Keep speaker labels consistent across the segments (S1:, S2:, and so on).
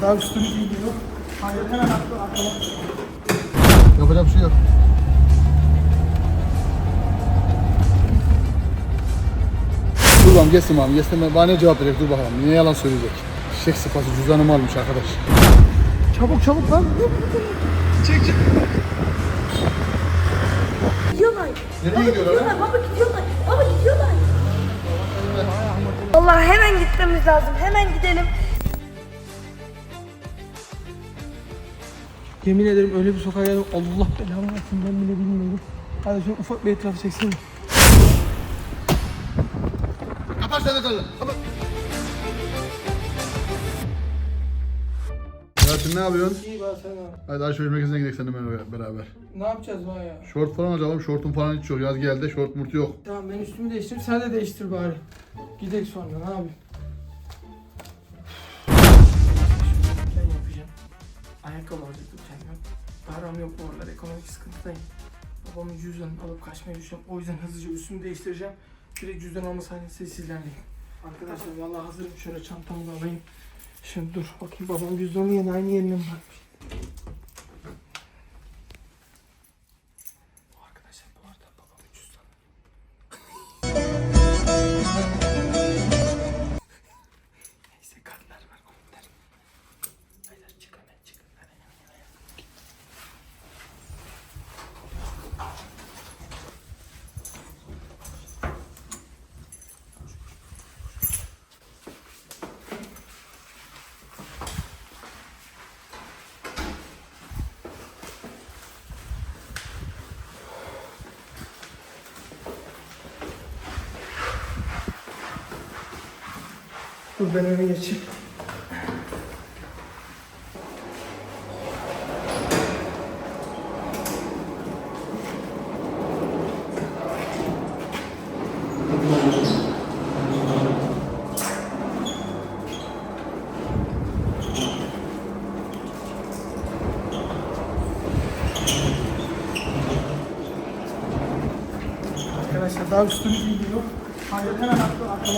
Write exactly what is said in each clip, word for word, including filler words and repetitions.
S1: daha üstünü giymiyor. Hayır, hemen attı arkama.
S2: Yapacak bir şey yok. Dur bakalım geçsin bakalım. Geçsin bana ne cevap verecek, dur bakalım. Niye yalan söyleyecek? Şişek sıpası cüzdanımı almış arkadaş. Çabuk çabuk lan. Çek çek.
S3: Gidiyorlar.
S2: Nereye gidiyorlar?
S3: Baba gidiyorlar. Baba gidiyorlar. Vallahi hemen gitmemiz lazım. Hemen gidelim.
S1: Yemin ederim öyle bir sokağa geldim. Allah belamı versin, ben bile bilmiyorum. Hadi şöyle ufak bir etrafı çeksene.
S2: Kapat sen de kalın. Kapat. Ya sen ne yapıyorsun?
S1: İyi ben sen abi.
S2: Hadi alışveriş merkezine gidelim seninle beraber.
S1: Ne yapacağız bana ya?
S2: Şort falan alacağım. Şortum falan hiç yok. Yaz geldi. Şort murt yok.
S1: Tamam ben üstümü değiştireyim, sen de değiştir bari. Gidek sonra, ne yapayım? Ben yapacağım. Ayakkabı alacaktım kendime. Param yok bu aralar, ekonomik sıkıntıdayım. Babamın cüzdanını alıp kaçmayı düşünüyorum. O yüzden hızlıca üstümü değiştireceğim. Direkt cüzdan alma sahnesinde sizlerleyim. Arkadaşlar vallahi hazırım, şöyle çantamı da alayım. Şimdi dur bakayım, babam cüzdanı yine aynı yerine mi bırakmış? Bu arkadaşlar bu arada babamın cüzdanı. Neyse kartlar var, kontlar. Haydi çık hemen çık. Hadi hemen hemen. Dur ben öne geçeyim. Arkadaşlar daha üstünü giymiyor. Hayır, hemen attı arkama.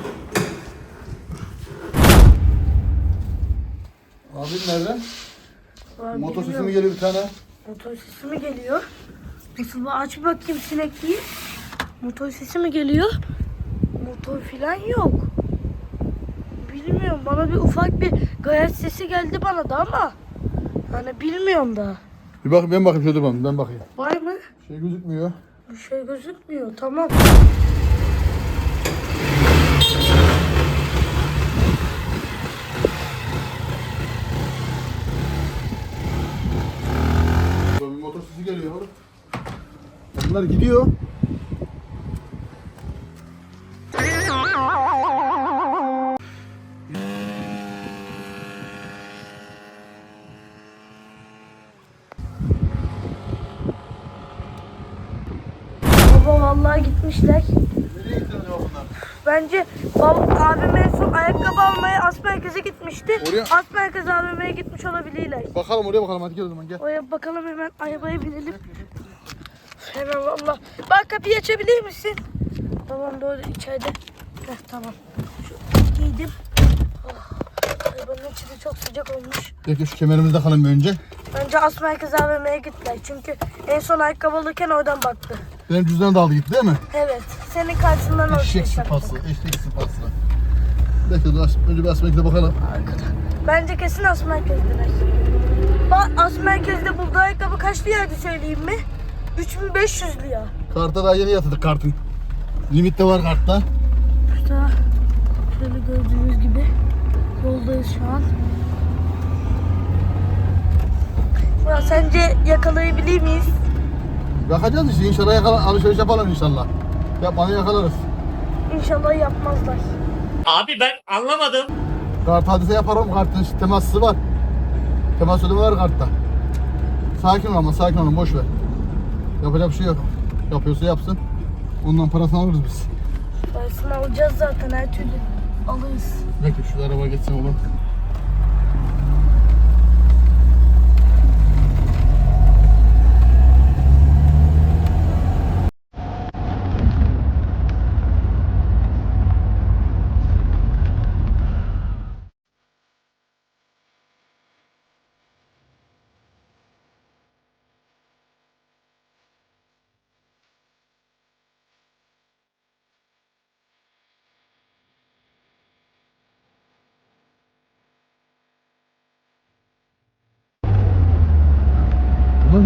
S2: Abin nerede?
S3: Vallahi
S2: Motor sesi
S3: bilmiyorum.
S2: mi geliyor bir tane?
S3: Motor sesi mi geliyor? Nasıl bir aç bakayım sinekliği. Motor sesi mi geliyor? Motor filan yok. Bilmiyorum, bana bir ufak bir gayet sesi geldi bana da ama hani bilmiyorum da.
S2: Bir bak ben bakayım şöyle ben, ben bakayım.
S3: Var mı?
S2: Şey gözükmüyor.
S3: Bir şey gözükmüyor. Tamam.
S2: Bir motor sesi geliyor oğlum. Bunlar gidiyor.
S3: Baba vallahi gitmişler.
S2: Nereye gidiyor acaba bunlar?
S3: Bence bab abim en son ayakkabı almaya as merkeze gitmişti.
S2: Oraya-
S3: As merkez A V M'ye gitmiş olabilirler.
S2: Bakalım oraya bakalım, hadi gel o zaman gel.
S3: Oraya bakalım, hemen arabaya binelim. Hemen valla. Bak kapıyı açabilir misin? Tamam doğru, içeride. Heh, tamam. Şu giydim. Oh, arabanın içi de çok sıcak olmuş.
S2: Peki şu kemerimizi takalım bir önce.
S3: Bence as merkez A V M'ye gittiler. Çünkü en son ayakkabı alırken oradan baktı.
S2: Benim cüzdanı da aldı gitti değil mi?
S3: Evet. Senin karşısından
S2: Eşek
S3: ortaya
S2: sıpası,
S3: saklı.
S2: eşek sıpası. Bekle dur, aç- önce bir asmakla bakalım.
S3: Bence kesin as merkezdeler. Bak as merkezde bulduğu ayakkabı kaç liraydı söyleyeyim mi? üç bin beş yüz lira.
S2: Karta daha yeni yatırdık kartın. Limit de var kartta.
S3: İşte şöyle gördüğünüz gibi yoldayız şu an. Ya sence yakalayabilir miyiz?
S2: Bakacağız işte, inşallah yakala, alışveriş yapalım inşallah. Yapmanı yakalarız.
S3: İnşallah yapmazlar.
S4: Abi ben anlamadım.
S2: Kart hadise yaparım, kartın işte teması var. Temas ödeme var kartta. Sakin ol ama, sakin olun, boş ver. Yapacak bir şey yok. Yapıyorsa yapsın. Ondan parasını alırız biz.
S3: Parasını alacağız zaten, her türlü alırız.
S2: Bekle şu araba geçsin oğlum.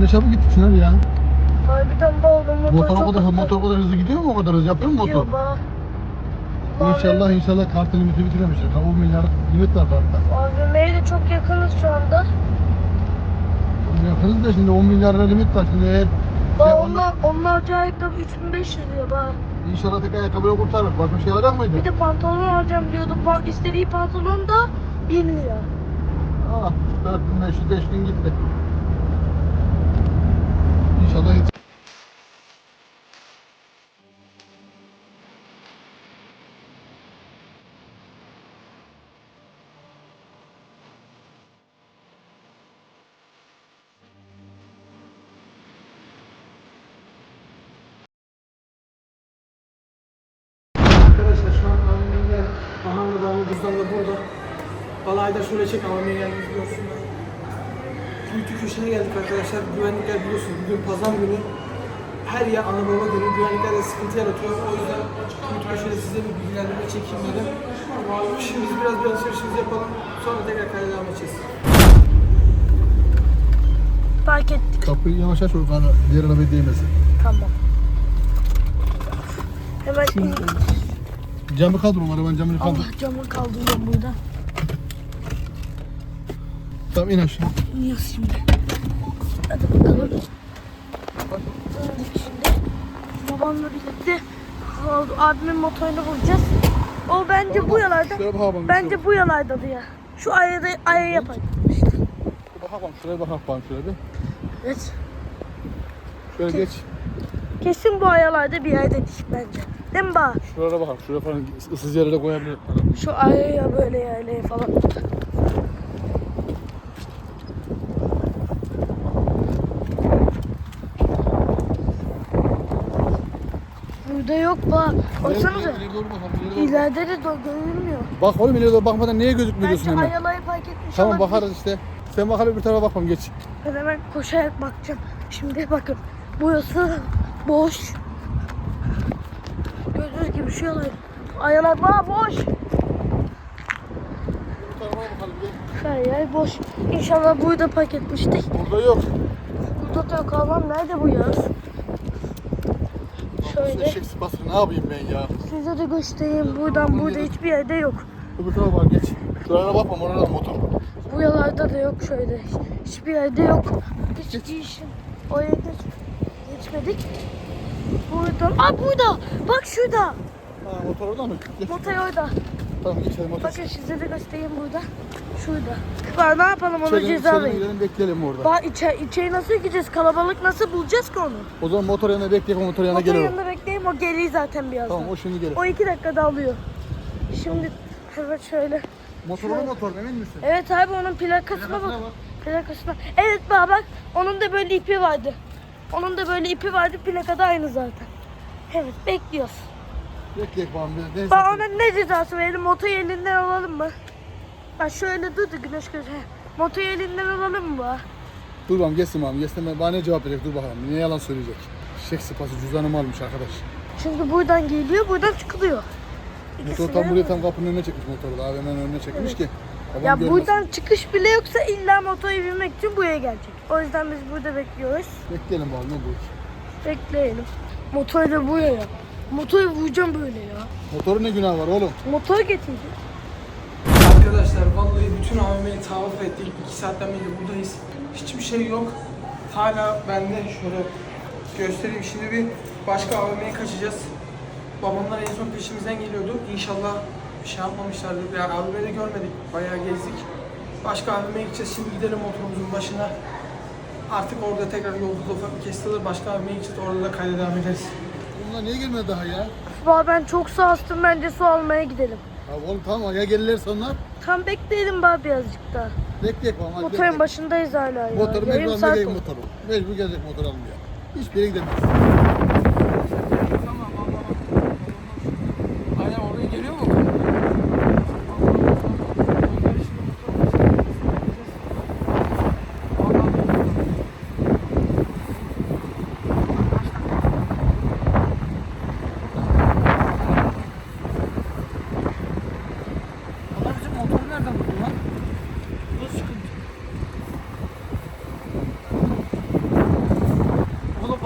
S2: ne çabuk gittik Çınar ya.
S3: Harbiden bağlı motor
S2: Motor o
S3: çok
S2: kadar,
S3: hızlı.
S2: motor o kadar hızlı gidiyor mu o kadar hızlı yapıyor mu motor?
S3: Gidiyor bak.
S2: İnşallah inşallah kartın limiti bitiremişler. on milyar limit var kartta.
S3: A V M'ye de çok yakınız şu anda.
S2: Yakınız da şimdi on milyar lira limit var. Şimdi eğer
S3: Bak
S2: şey,
S3: onlar, onlar ayakkabı üç bin beş yüz diyor bak.
S2: İnşallah tek ayakkabıyla kurtarır. Başka bir şey alacak mıydı?
S3: Bir de pantolon alacağım diyordu. Bak istediği pantolon da bin lira.
S2: Ah, dört bin beş yüz, beş bin gitti. İnşallah yetişir.
S1: Arkadaşlar şu an A V M'ye geldik. Aha da benim cüzdan da burada. Balayda şöyle çek A V M'ye geldik görsünler. Kuytu köşeye geldik arkadaşlar. Güvenlikler biliyorsunuz bugün pazar günü. Her yer ana baba günü. Güvenlikler de sıkıntı yaratıyor. O yüzden kuytu köşede size bir bilgilendirme çekeyim dedim. Şimdi biz biraz bir alışverişimizi yapalım. Sonra tekrar kayda devam edeceğiz.
S3: Fark ettik.
S2: Kapıyı yavaş aç, o kana diğer arabaya değmesin.
S3: Tamam. Hemen in.
S2: Camı kaldırma, arabanın camını kaldır.
S3: Allah camı kaldırıyorum burada.
S2: Tamam, in aşağı.
S3: İniyoruz şimdi. Hadi bakalım. İndik şimdi. Babamla birlikte abimin motorunu bulacağız. O bence bu yalarda.
S2: Şuraya bakalım.
S3: Bence bu yalardadı ya. Şu ayada aya yapalım. İşte.
S2: Bakalım, şuraya bakalım şöyle bir.
S3: Evet.
S2: Şöyle geç.
S3: Kesin bu ayalarda bir yerdedik bence. Değil mi baba?
S2: Şuralara bakalım, şuraya falan ıssız yerlere koyabilir.
S3: Şu ayaya böyle yerlere falan. Burada yok bak. Baksanıza.
S2: İleri doğru bakalım, ileri doğru.
S3: İleride de do- görünmüyor.
S2: Bak oğlum, ileri doğru bakmadan niye gözükmüyorsun
S3: Bence
S2: hemen?
S3: ayalayı fark etmiş
S2: Tamam,
S3: olabilir.
S2: bakarız işte. Sen bakalım, bir tarafa bakmam, geç.
S3: Ben hemen koşarak bakacağım. Şimdi bakın. Burası boş. Gördüğünüz gibi şu yalan. Ayalar bak boş.
S2: Bu tarafa bakalım, gel.
S3: Her yer boş. İnşallah burada park etmiştik.
S2: Burada yok.
S3: Burada da yok. Allah'ım nerede bu yaz? Şöyle.
S2: Eşek sıpası, ne yapayım ben ya?
S3: Size de göstereyim. Buradan burada hiçbir yerde yok.
S2: Öbür tarafa bak, geç. Şuralara bakmam, orada motor.
S3: Bu yalarda da yok şöyle. Hiçbir yerde yok. Hiç işim. Oraya geç. Geçmedik. Burada. Aa burada. Bak şurada.
S2: Ha, motor orada mı? Geç.
S3: Motor orada.
S2: Tamam, geçelim motor.
S3: Bakın size de göstereyim burada. Şurada. Bak ne yapalım onu
S2: İçeri-
S3: ceza
S2: içeri
S3: verin.
S2: gidelim, bekleyelim orada.
S3: Bak içe, içeri nasıl gideceğiz? Kalabalık nasıl bulacağız ki onu?
S2: O zaman motor yanına bekleyelim, motor yanına
S3: Motor
S2: gelir o.
S3: yanında bekleyeyim o geliyor zaten birazdan.
S2: Tamam, o şimdi gelir.
S3: O iki dakikada alıyor. Şimdi evet şöyle.
S2: Motorlu motor, emin misin?
S3: Evet abi onun plakasına bak.
S2: Plakasına bak.
S3: Plakasına. Evet baba bak onun da böyle ipi vardı. Onun da böyle ipi vardı plakada aynı zaten. Evet bekliyoruz.
S2: Bekleyek bakalım. bir- Neyse.
S3: Bak ona ne cezası verelim motoru elinden alalım mı? Bak şöyle dur da güneş göz. Motoru elinden alalım mı bak?
S2: Dur bakalım, geçsin bakalım. Geçsin, bana ne cevap verecek, dur bakalım. Ne yalan söyleyecek. Eşek sıpası, cüzdanımı almış arkadaş.
S3: Çünkü buradan geliyor buradan çıkılıyor.
S2: Motor
S3: İkisini
S2: tam buraya
S3: de-
S2: tam kapının önüne çekmiş motoru. A V M'nin önüne çekmiş ki. Babam
S3: Ya
S2: görmesin.
S3: buradan çıkış bile yoksa illa motora binmek için buraya gelecek. O yüzden biz burada bekliyoruz.
S2: Bekleyelim bakalım, ne bu?
S3: Bekleyelim. Motoru da buraya. Motoru vuracağım böyle ya.
S2: Motorun ne günahı var oğlum?
S3: Motor getirdi.
S1: Arkadaşlar vallahi bütün A V M'yi tavaf ettik. iki saatten beri buradayız. Hiçbir şey yok. Hala bende şöyle göstereyim. Şimdi bir başka A V M'ye kaçacağız. Babamlar en son peşimizden geliyordu. İnşallah bir şey yapmamışlardır. Yani A V M'de görmedik. Bayağı gezdik. Başka A V M'ye gideceğiz. Şimdi gidelim motorumuzun başına. Artık orada tekrar yolculuk ufak bir kesilir. Başka A V M'ye gideceğiz. Orada da kayda devam ederiz.
S2: Bunlar niye gelmedi daha ya?
S3: Valla ben çok su astım bence su almaya gidelim.
S2: Ya oğlum tamam, ya gelirlerse onlar.
S3: Tam bekleyelim bari birazcık daha.
S2: Bekleyek bakalım. hadi
S3: Motorun
S2: bekleyek.
S3: başındayız hala ya.
S2: Motoru
S3: Yarım
S2: mecbur
S3: saat
S2: almaya
S3: oldu.
S2: motoru. Mecbur gelecek motor almaya. Hiçbir yere gidemez.
S1: Tamam anlamadım. Aynen oraya geliyor mu? Onlar bizim motoru nereden buldu lan? Bu da sıkıntı.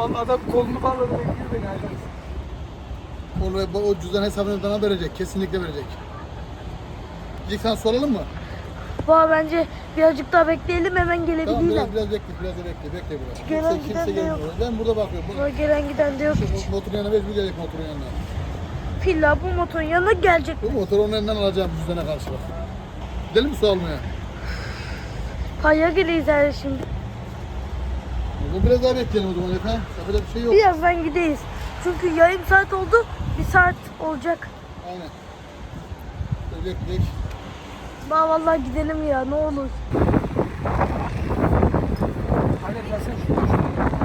S1: Vallahi adam kolunu bağladı bekliyor beni Aydan.
S2: O, o cüzdan hesabını bana verecek. Kesinlikle verecek. İlk sen soralım mı?
S3: Baba bence birazcık daha bekleyelim hemen
S2: Tamam
S3: gelebilirler.
S2: biraz biraz bekle, biraz da bekle, bekle biraz.
S3: Gelen
S2: Kimse,
S3: giden
S2: kimse
S3: de yok.
S2: gelmiyor. Ben burada bakıyorum.
S3: Baba gelen giden de yok hiç.
S2: Şu motorun yanına mecbur gelecek motorun yanına.
S3: Filla bu motorun yanına gelecek.
S2: Bu motoru onun elinden alacağım cüzdana karşı bak. Gidelim mi su almaya?
S3: Kaya geleyiz her şimdi.
S2: Bu biraz daha bekleyelim o zaman Efe. Yapacak bir şey yok.
S3: Birazdan gideyiz. Çünkü yarım saat oldu. Bir saat olacak.
S2: Aynen. Böyle bekleyek.
S3: Baba vallahi gidelim ya ne olur.
S1: Aynen gelsene şuraya.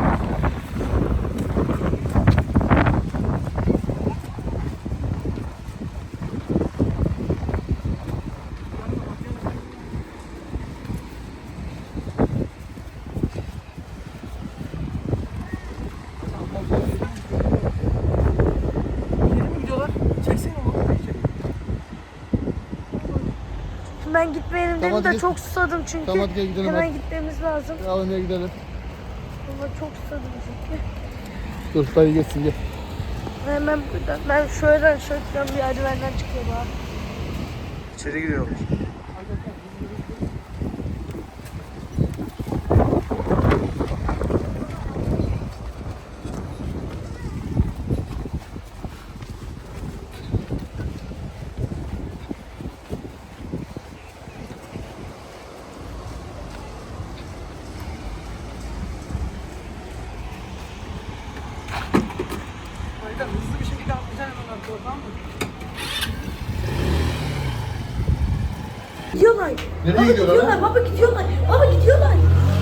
S1: Geri mi gidiyorlar? Çeksene onu.
S3: Ben gitmeyelim
S2: Tamam,
S3: dedim de
S2: hadi
S3: çok susadım çünkü.
S2: Tamam, hadi gel gidelim,
S3: Hemen
S2: hadi.
S3: gitmemiz lazım.
S2: A V M'ye gidelim.
S3: Baba çok susadım çünkü.
S2: Dur dayı geçsin gel.
S3: Hemen buradan. Ben şöyle şöyle bir merdivenden çıkıyor baba.
S1: İçeri giriyorlar. Aydan hızlı bir şekilde atlayacaksın hemen arkaya, tamam mı?
S3: Gidiyorlar.
S2: Nereye
S3: Baba
S2: gidiyorlar
S3: gidiyorlar.
S2: ha?
S3: Baba gidiyorlar. Baba gidiyorlar.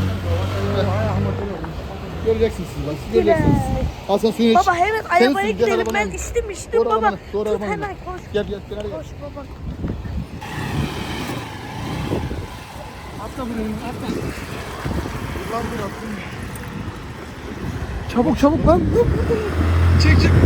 S2: Göreceksiniz siz bak. Siz göreceksiniz. Al sen suyunu iç.
S3: Baba hemen
S2: Sen
S3: arabaya
S2: sür, gel
S3: gidelim.
S2: arabana.
S3: Ben içtim içtim
S2: Doğru
S3: baba.
S2: arabana, doğru
S3: Tut
S2: arabana.
S3: hemen koş.
S2: Gel gel gel hadi gel.
S3: Koş baba.
S1: Atla buraya, atla. Lan dur atla. Çabuk çabuk lan. Dur, dur, dur. Çek çek.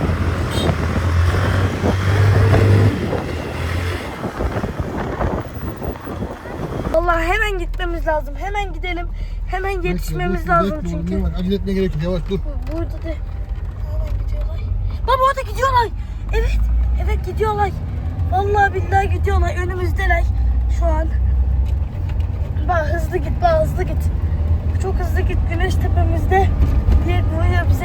S3: Vallahi hemen gitmemiz lazım. Hemen gidelim. Hemen yetişmemiz
S2: Bekle,
S3: lazım
S2: bekle,
S3: çünkü.
S2: bekle, bekle. Acele etmeye gerek yok. Yavaş dur.
S3: Burada da hemen gidiyorlar. Baba orada gidiyorlar. Evet. Evet gidiyorlar. Vallahi billahi gidiyorlar. Önümüzdeler şu an. Bak hızlı git, bak hızlı git. Çok hızlı git. Güneş tepemizde diye vuruyor bize.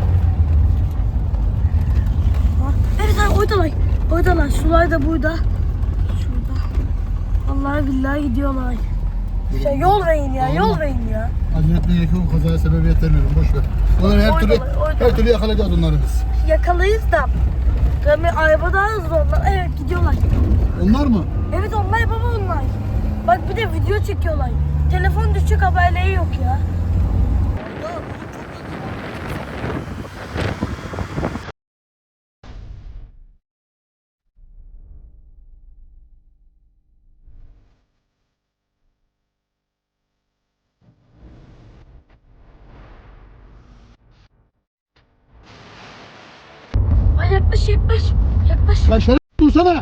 S3: Ha, evet abi oradalar. Oradalar. Sular da burada. Şurada. Vallahi billahi gidiyorlar. Ya yol verin ya, yol verin ya.
S2: Acele etmeye gerek yok. Kazaya sebebiyet vermiyorum. Boş ver. Onları her türlü
S3: Oynalar, oynalar.
S2: her türlü yakalayacağız onları biz.
S3: Yakalayız da. Tabii araba daha hızlı onlar. Evet gidiyorlar.
S2: Onlar mı?
S3: Evet onlar baba onlar. Bak bir de video çekiyorlar. Telefon düşecek haberleri yok ya. Ay yaklaş yaklaş. Yaklaş.
S2: Lan şöyle dursana.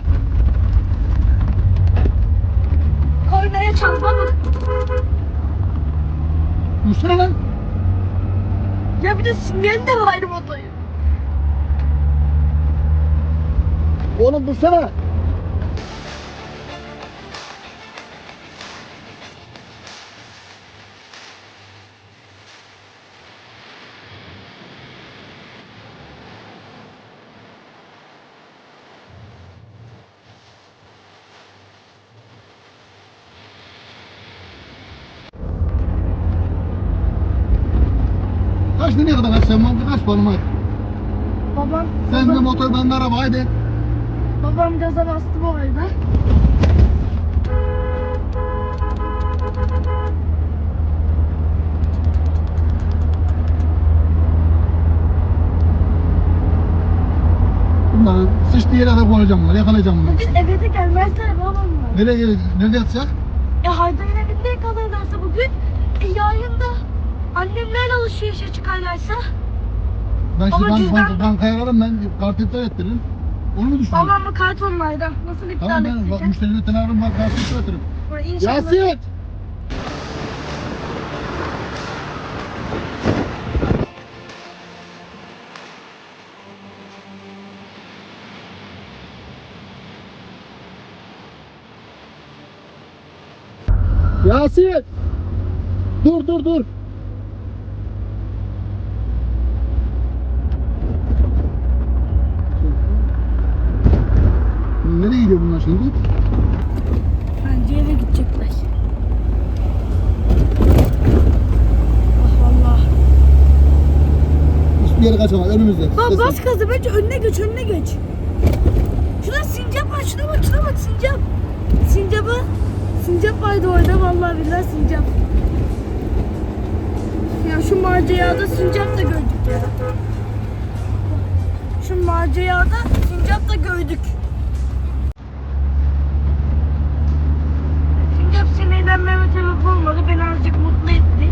S3: Kornaya çal baba.
S2: Dursana lan.
S3: Ya bir de sinyali de var motoyu.
S2: Oğlum dursana. Kaç nereye kadar kaçacağım lan? Kaç balım hadi.
S3: Babam,
S2: Sen de
S3: babam,
S2: motor ben de araba haydi.
S3: babam gaza bastı bu arada.
S2: Bunları sıçtığı yere kadar koyacağım bunları. Yakalayacağım bunları.
S3: Bugün eve de gelmezler babamlar.
S2: Nereye gelecek? Nerede yatacak?
S3: E Haydar'ın evinde yakalarlarsa bugün, e yarın da annemlerle alışverişe çıkarlarsa,
S2: Ben
S3: Ama
S2: şimdi bank,
S3: cüzdan-
S2: bank, bankaya ararım ben kart iptal ettiririm. Onu mu düşünüyorsun?
S3: babam mı kart onlardan nasıl iptal
S2: Tamam ben bak
S3: edecek?
S2: müşterilerden ararım bak kart iptal ettiririm.
S3: İnşallah.
S2: Yasin! Yasin! Dur dur dur. Nereye gidiyor bunlar şimdi?
S3: Bence eve gidecekler. Ah valla.
S2: Hiçbir yere kaçamaz önümüzde.
S3: Bak
S2: Ses-
S3: bas gazı bence önüne geç önüne geç. Şurada sincap var şuna bak şuna bak sincap. Sincapı sincap vardı orada vallahi billahi sincap. Ya şu macerada sincap da gördük ya. Şu macerada sincap da gördük. Sincap sinirlenmeme sebep olmadı. Beni azıcık mutlu etti.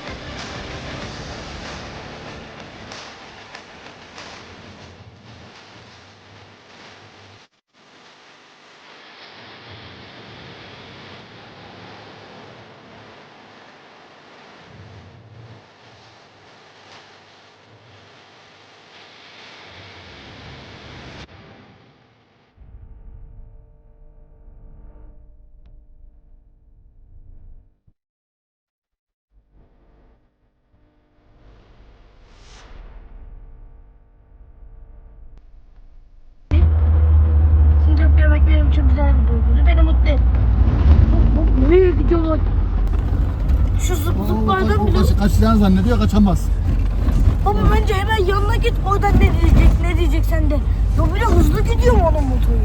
S3: Sincap yemek benim için güzel bir duyguydu. Beni mutlu etti. Nereye gidiyorlar? Şu zıp
S2: O- o-
S3: zıplardan
S2: o-
S3: bile...
S2: o kaç- Kaçacağını zannediyor, kaçamaz.
S3: Baba bence hemen yanına git oradan ne diyecek ne diyecek sen de. Ya bir de hızlı gidiyor mu onun motoru?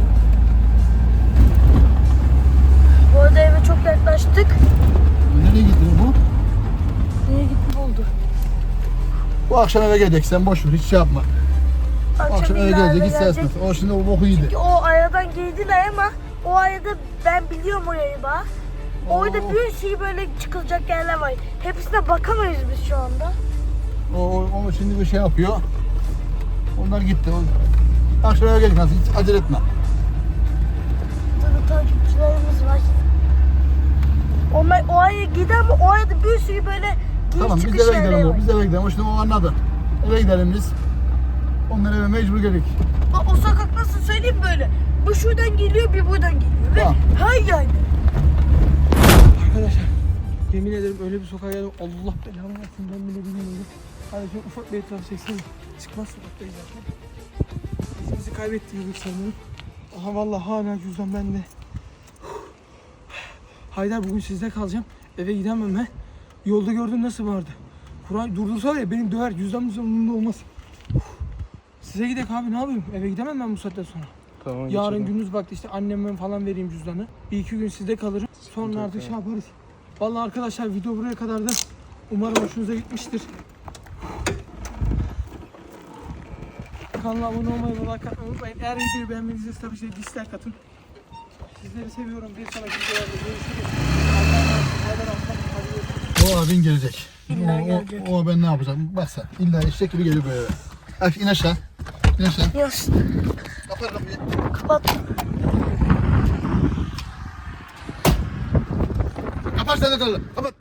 S3: Bu arada eve çok yaklaştık.
S2: Nereye gidiyor bu?
S3: Nereye gitti oldu?
S2: Bu akşam eve gelecek, sen boş ver, hiç şey yapma. Bu akşam eve
S3: ileride
S2: gelecek, hiç ses etmez. O şimdi o boku yedi.
S3: Çünkü o aradan girdiler ama o arada ben biliyorum orayı bak. Orada
S2: Oo.
S3: bir sürü böyle çıkılacak yerler var. Hepsine bakamayız biz şu anda.
S2: O, o, o şimdi bir şey yapıyor. Onlar gitti. O, akşam eve gelecek, nasıl hiç acele etme.
S3: Burada takipçilerimiz var. Onlar o araya gider ama o arada bir sürü böyle giriş
S2: Tamam, biz
S3: çıkış
S2: eve
S3: yerleri
S2: gidelim.
S3: var.
S2: O, biz eve gidelim. O şimdi o anladı. Eve gidelim biz. Onlar eve mecbur gelecek.
S3: Bak o sokak nasıl söyleyeyim böyle. Bu şuradan geliyor bir buradan geliyor. Ve
S2: Tamam.
S3: her yerde.
S1: Arkadaşlar yemin ederim öyle bir sokağa geldim. Allah belamı versin ben bile bilmiyorum. Hadi şöyle ufak bir etraf çeksene. Çıkmaz sokaktayız zaten. Bizi kaybettiğimiz ilk sanırım. Aha vallahi hala cüzdan bende. Haydar bugün sizde kalacağım. Eve gidemem ben. Yolda gördüm nasıl vardı. Kuray durdursa var ya benim döver. Cüzdan cüzdan umurumda olmaz. Size gidek abi ne yapayım? Eve gidemem ben bu saatten sonra.
S5: Tamam,
S1: Yarın
S5: geçelim.
S1: gündüz vakti işte anneme falan vereyim cüzdanı. Bir iki gün sizde kalırım. Sonra artık şey yaparız. Vallahi arkadaşlar video buraya kadar da umarım hoşunuza gitmiştir. Kanala abone olmayı ve like atmayı unutmayın. Eğer videoyu beğenmediyseniz tabii ki dislike atın. Sizleri seviyorum. Bir sonraki videolarda görüşürüz. Allah'a emanet olun. Hadi görüşürüz.
S2: O abin gelecek.
S3: İlla
S2: O,
S3: gelecek.
S2: o, o ben ne yapacağım? Bak sen. İlla eşek gibi geliyor böyle. Aç in aşağı. İn aşağı.
S3: Yaz.
S2: Kapat kapıyı.
S3: Kapat.
S2: Kapat sen de kalı. Kapat.